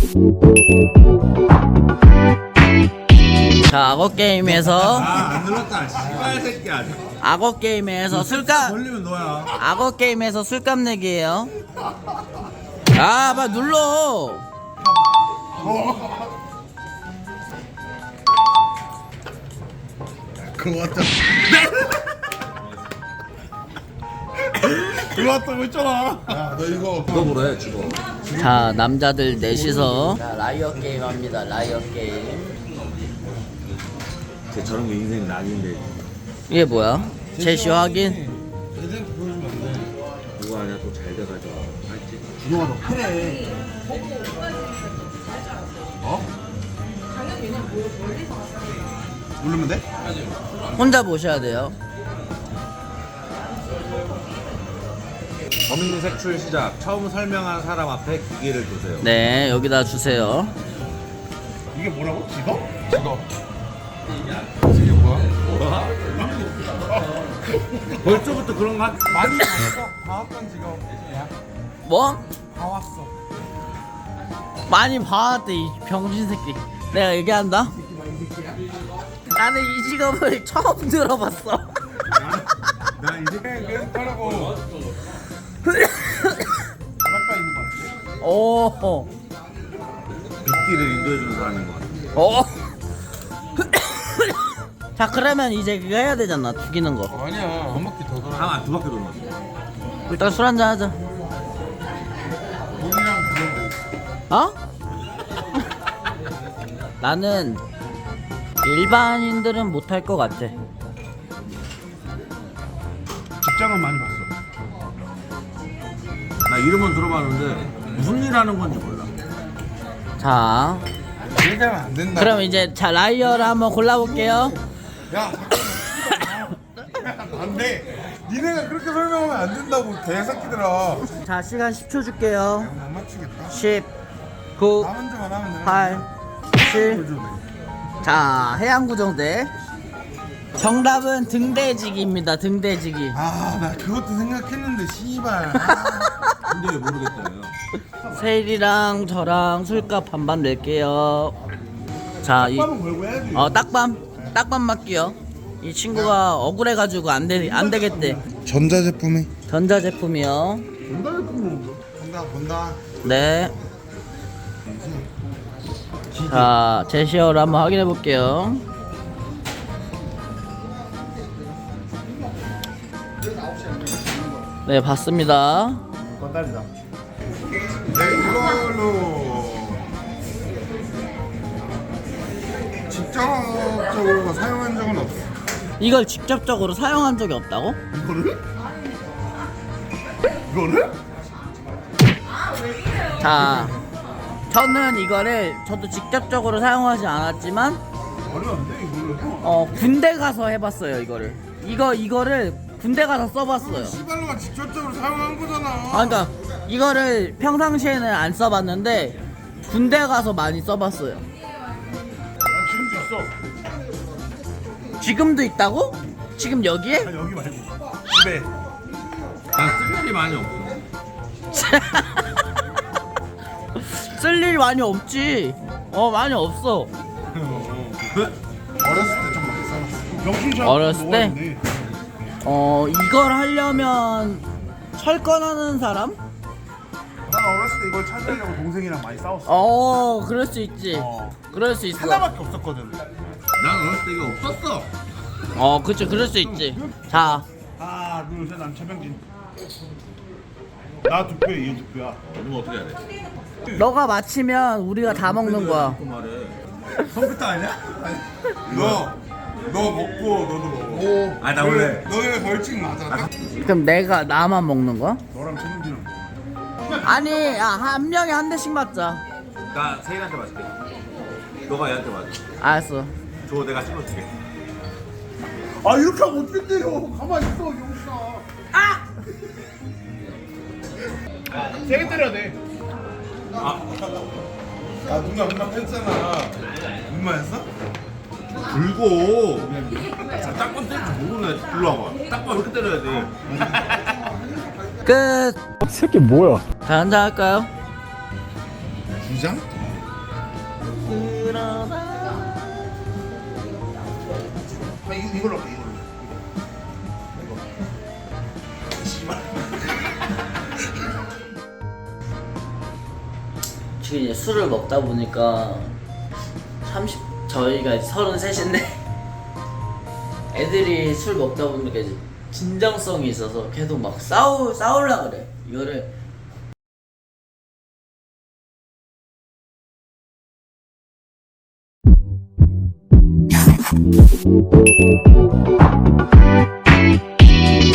자, 악어 게임에서 안 눌렀다. 씨발 새끼야. 악어 게임에서 술값 걸리면 너야. 악어 게임에서 술값 내기예요. 아, 빨리 눌러. 그거 같다. 그거 같다고 했잖아. 야, 너 이거 그거 뭐래 죽어. 자, 남자들 넷이서 자, 라이어 게임 합니다. 라이어 게임. 저런 게 인생 낙인데. 이게 뭐야? 제시 확인. 애들한테 보여주면 안 돼. 누가 아니야 또 잘 돼가지고. 알지? 준호가 너 패래. 어? 누르면 돼? 혼자 보셔야 돼요. 범인 색출 시작. 처음 설명한 사람 앞에 기계를 두세요. 네, 여기다 주세요. 이게 뭐라고? 직업? 직업. 이게 뭐야? 벌써부터 그런 거 많이 봤어. 봐왔던 직업이야. 뭐? 봐왔어. 많이 봐왔대, 이 병신 새끼. 내가 얘기한다. 나는 이 직업을 처음 들어봤어. 나 이제 계속 하라고. 바닷가 있는 거 같아. 오, 빗길을 인도해주는 사람인 것 같아. 오. 자, 그러면 이제 그거 해야 되잖아. 죽이는 거. 아니야. 한 바퀴 더 돌아. 두 바퀴 도는 거. 일단 술 한잔 하자. 돈이랑 그런 거. 어? 나는 일반인들은 못할 것 같아. 직장은 많이 봤어. 나 이름은 들어봤는데 무슨 일 하는 건지 몰라. 자, 얘기하면 안 된다. 그럼 이제 자 라이어를 한번 골라볼게요. 야, 잠깐만. 안 돼. 니네가 그렇게 설명하면 안 된다고 개새끼들아. 자, 시간 10초 줄게요. 못 맞추겠다. 10, 9, 나 혼자만 하면 돼. 8, 7. 자, 해양구정대. 정답은 등대지기입니다. 등대지기. 아, 나 그것도 생각했는데 씨발. 근데 왜 모르겠다요. 세일이랑 저랑 술값 반반 낼게요. 자, 한번 걸고 해야지. 딱밤 맞기요. 이 친구가 억울해가지고 안 되겠대. 전자제품이. 전자제품이요. 본다. 네. 자, 제시어를 한번 확인해 볼게요. 네, 봤습니다. 건달이다. 네, 이걸로 직접적으로 사용한 적은 없어. 이걸 직접적으로 사용한 적이 없다고? 이거를? 자, 저는 저도 직접적으로 사용하지 않았지만 말이 안 돼, 이거를. 군대 가서 해봤어요. 이거를 군대 가서 써봤어요. 씨발로가 직접적으로 사용한 거잖아. 아, 그러니까 이거를 평상시에는 안 써봤는데 군대 가서 많이 써봤어요. 난 지금도 있어. 지금도 있다고? 지금 여기에? 아니, 여기 말고 집에. 난쓸 일이 많이 없어. 쓸 일 많이 없지. 많이 없어. 어렸을 때 좀 많이 써봤어. 명심샷 어렸을 때? 먹었는데. 이걸 하려면 철권하는 사람? 난 어렸을 때 이걸 찾으려고 동생이랑 많이 싸웠어. 그럴 수 있지. 어. 그럴 수 있어. 하나밖에 없었거든. 난 어렸을 때 이거 없었어. 그치, 그럴 수 있지. 자, 하나, 둘, 셋, 난 최병진. 나 두 표, 얘 두 표야. 누가 어떻게 해야 돼? 너가 맞히면 우리가 다 먹는 거야. 그 말해. 컴퓨터 아니야? 너 먹고 너도 먹어. 아, 나 원래 너네 벌칙 맞아. 그럼 나만 먹는 거야? 너랑 최병진은. 아니, 한 명에 한 대씩 맞자. 나 세일한테 맞을게. 너가 얘한테 맞아. 알았어. 저거 내가 찍어줄게. 아, 이렇게 하면 어떻게 때려? 가만히 있어, 용사. 세게 때려야 돼. 누나 뺐잖아. 눈마였어? 불고. 딱밤 때릴 줄 모르네. 일로 와봐. 딱밤 이렇게 때려야 돼. 끝. 새끼 뭐야? 자, 한잔 할까요? 주장? 이걸로 할게 이걸로. 이거. 씨발. 지금 이제 술을 먹다 보니까 저희가 이제 33인데 애들이 술 먹다 보니까 이제 진정성이 있어서 계속 막 싸우려 그래. 이거를